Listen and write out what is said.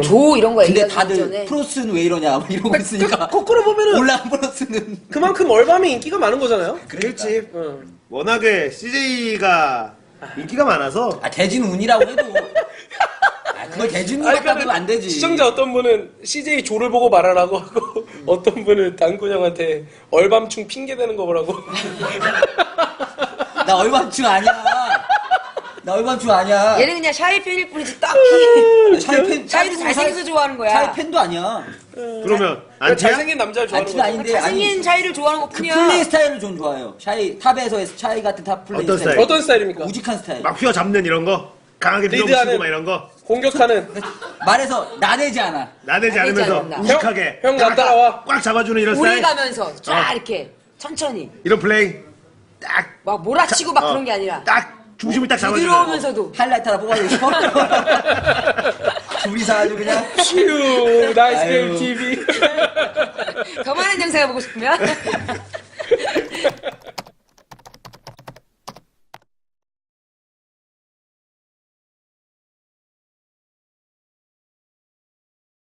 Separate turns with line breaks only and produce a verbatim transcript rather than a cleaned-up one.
조 이런 거
근데
얘기하기
다들
전에.
프로스는 왜 이러냐 막 이러고 있으니까.
그, 거꾸로 보면은
올라간 프로스는
그만큼 얼밤이 인기가 많은 거잖아요.
그렇지.
응.
워낙에 씨제이가 인기가 많아서.
아 대진 운이라고 해도. 아 그걸 대진 운
아니,
갖다 두면 안 되지.
시청자 어떤 분은 씨제이 조를 보고 말하라고 하고 어떤 분은 당군 형한테 얼밤충 핑계 대는 거 보라고.
나 얼반충 아니야. 나 얼반충 아니야.
얘는 그냥 샤이 팬일 뿐이지 딱히.
샤이 팬,
샤이도 잘생겨서 좋아하는 거야.
샤이 팬도 아니야.
그러면
그러니까
안티야?
잘생긴 남자를 좋아하는
안티는
거야.
아닌데
잘생긴
아니
샤이를 좋아하는 것
그
뿐이야.
플레이 스타일을 좀 좋아해요. 샤이 탑에서의 샤이 같은 탑 플레이
어떤
스타일.
스타일?
어떤 스타일입니까?
우직한 스타일.
막 휘어잡는 이런 거? 강하게 밀어붙이고
리드하는
막 이런 거?
공격하는.
말해서 나대지 않아.
나대지
나대지
않으면서
않는다.
우직하게.
형, 형, 나 따라와.
꽉 잡아주는 이런
오래
스타일?
가면서 쫙
어.
이렇게 천천히
이런 플레이. 딱.
막 몰아치고 막
어,
그런 게 아니라
딱 중심을 딱 잡아주는.
부드러우면서도
하이라이트 하나 뽑아주고 싶어? 둘이서 아주 그냥.
휴 나이스
아유.
게임 티비.
더 많은 영상을 보고 싶으면